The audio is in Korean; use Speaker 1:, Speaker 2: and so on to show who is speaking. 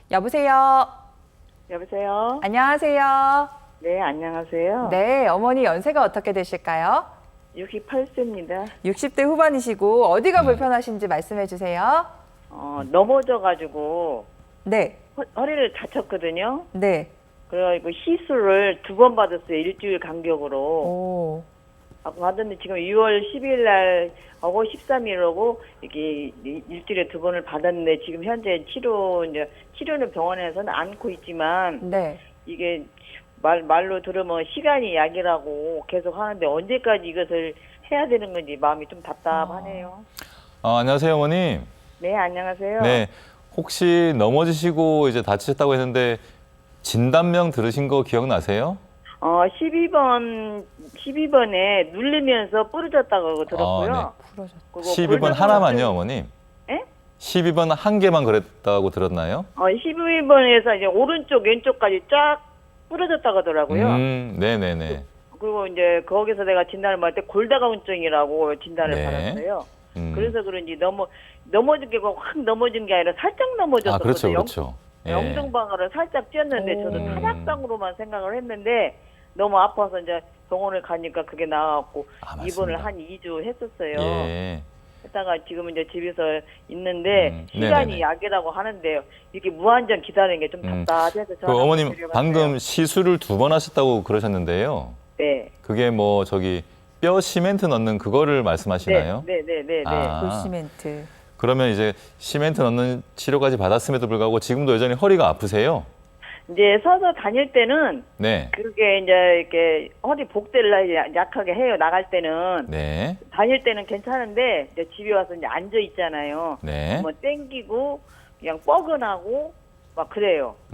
Speaker 1: 여보세요.
Speaker 2: 여보세요?
Speaker 1: 안녕하세요.
Speaker 2: 네, 안녕하세요.
Speaker 1: 네, 어머니 연세가 어떻게 되실까요?
Speaker 2: 68세입니다.
Speaker 1: 60대 후반이시고 어디가 불편하신지 말씀해 주세요.
Speaker 2: 넘어져가지고
Speaker 1: 네,
Speaker 2: 허리를 다쳤거든요.
Speaker 1: 네.
Speaker 2: 그래가지고 시술을 2번 받았어요. 일주일 간격으로.
Speaker 1: 오,
Speaker 2: 받았는데 지금 6월 10일 날 하고 13일하고 이게 일주일에 2번을 받았는데 지금 현재 치료는 병원에서는 않고 있지만
Speaker 1: 네.
Speaker 2: 이게 말로 들으면 시간이 약이라고 계속 하는데 언제까지 이것을 해야 되는 건지 마음이 좀 답답하네요.
Speaker 3: 안녕하세요, 어머님.
Speaker 2: 네, 안녕하세요.
Speaker 3: 네, 혹시 넘어지시고 이제 다치셨다고 했는데 진단명 들으신 거 기억나세요?
Speaker 2: 12번에 누르면서 부러졌다고 들었고요.
Speaker 3: 네.
Speaker 1: 부러졌다.
Speaker 2: 그리고
Speaker 3: 12번
Speaker 2: 골다공증-
Speaker 3: 하나만요, 어머님?
Speaker 2: 예?
Speaker 3: 12번 한 개만 그랬다고 들었나요?
Speaker 2: 12번에서 이제 오른쪽, 왼쪽까지 쫙 부러졌다고 하더라고요.
Speaker 3: 네네네.
Speaker 2: 그리고 이제 거기서 내가 진단을 받을 때 골다공증이라고 진단을
Speaker 3: 네.
Speaker 2: 받았어요.
Speaker 3: 음.
Speaker 2: 그래서 그런지 넘어진 게 확 넘어진 게 아니라 살짝 넘어졌거든요.
Speaker 3: 그렇죠, 그렇죠. 예.
Speaker 2: 영정방아를 살짝 찧었는데
Speaker 1: 오.
Speaker 2: 저는 타닥상으로만 생각을 했는데 너무 아파서 이제 병원을 가니까 그게 나왔고
Speaker 3: 맞습니다.
Speaker 2: 입원을 한 2주 했었어요.
Speaker 3: 예.
Speaker 2: 했다가 지금 이제 집에서 있는데 시간이
Speaker 3: 네네네.
Speaker 2: 약이라고 하는데 이렇게 무한정 기다리는 게 좀 답답해서
Speaker 3: 그
Speaker 2: 전화
Speaker 3: 어머님
Speaker 2: 한번 드려봤어요.
Speaker 3: 방금 시술을 2번 하셨다고 그러셨는데요.
Speaker 2: 네.
Speaker 3: 그게 뭐 뼈 시멘트 넣는 그거를 말씀하시나요?
Speaker 2: 네.
Speaker 3: 아.
Speaker 1: 볼시멘트.
Speaker 3: 그러면 이제 시멘트 넣는 치료까지 받았음에도 불구하고 지금도 여전히 허리가 아프세요?
Speaker 2: 이제 서서 다닐 때는
Speaker 3: 네.
Speaker 2: 그게 이제 이렇게 허리 복대를 약하게 해요. 나갈 때는
Speaker 3: 네.
Speaker 2: 다닐 때는 괜찮은데 이제 집에 와서 이제 앉아 있잖아요.
Speaker 3: 네.
Speaker 2: 뭐 땡기고 그냥 뻐근하고 막 그래요.